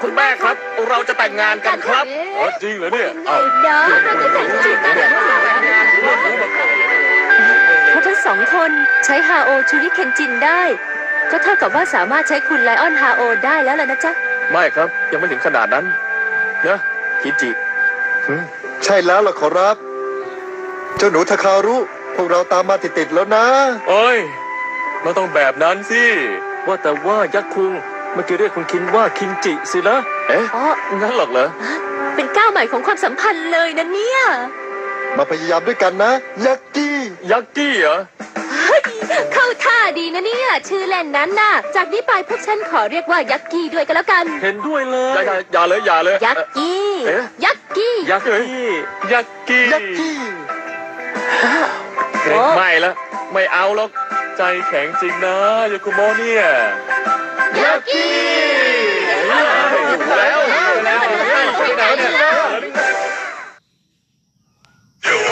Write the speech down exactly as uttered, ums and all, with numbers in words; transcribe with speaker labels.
Speaker 1: คุณแม่ครับ เราจะแต่งงานกันครับ
Speaker 2: อ๋อจริงเหรอเนี่ยเอ้า
Speaker 3: เดี๋ยวเราจะแต่งงานกัน
Speaker 4: ถ้าทั้งสองคนใช้ฮาโอชูริเคนจินได้ ก็เท่ากับว่าสามารถใช้คุณไลออนฮาโอได้แล้วล่ะนะจ๊ะ
Speaker 1: ไม่ครับยังไม่ถึงขนาดนั้นนะคิจิ
Speaker 5: ใช่แล้วล่ะขอรับ เจ้าหนูทาคารุพวกเราตามมาติดๆแล้วนะ
Speaker 2: เอ้ยเราต้องแบบนั้นสิว่าแต่ว่ายักษ์คุงเมื่อกี้เรียกคุณคินว่าคินจิสินะ
Speaker 1: เอ๊ะ
Speaker 4: อ๋อ
Speaker 1: งั้นหรอกเหรอ
Speaker 4: เป็นก้าวใหม่ของความสัมพันธ์เลยนะเนี่ย
Speaker 5: มาพยายามด้วยกันนะ ยักกี้
Speaker 2: ยักษ์กี้เหรอ
Speaker 4: เฮ้ยเข้าท่าดีนะเนี่ย ชื่อเล่นนั้นน่ะ จากนี้ไปพวกฉันขอเรียกว่ายักกี้ด้วยก็แล้วกัน
Speaker 2: เห็นด้วยเล
Speaker 1: อย่าย อย่าอย่าเลยอย่าเลย
Speaker 4: ยักกี้
Speaker 1: เอ๊ะ
Speaker 4: ยักกี้
Speaker 2: ยักษ์กี้ยักษ์กี้
Speaker 5: ยักกี้
Speaker 1: เอ๊ะไม่ละไม่เอาหรอกใจแข็งจริงนะโยคุโมะเนี่ย
Speaker 4: ยักกี้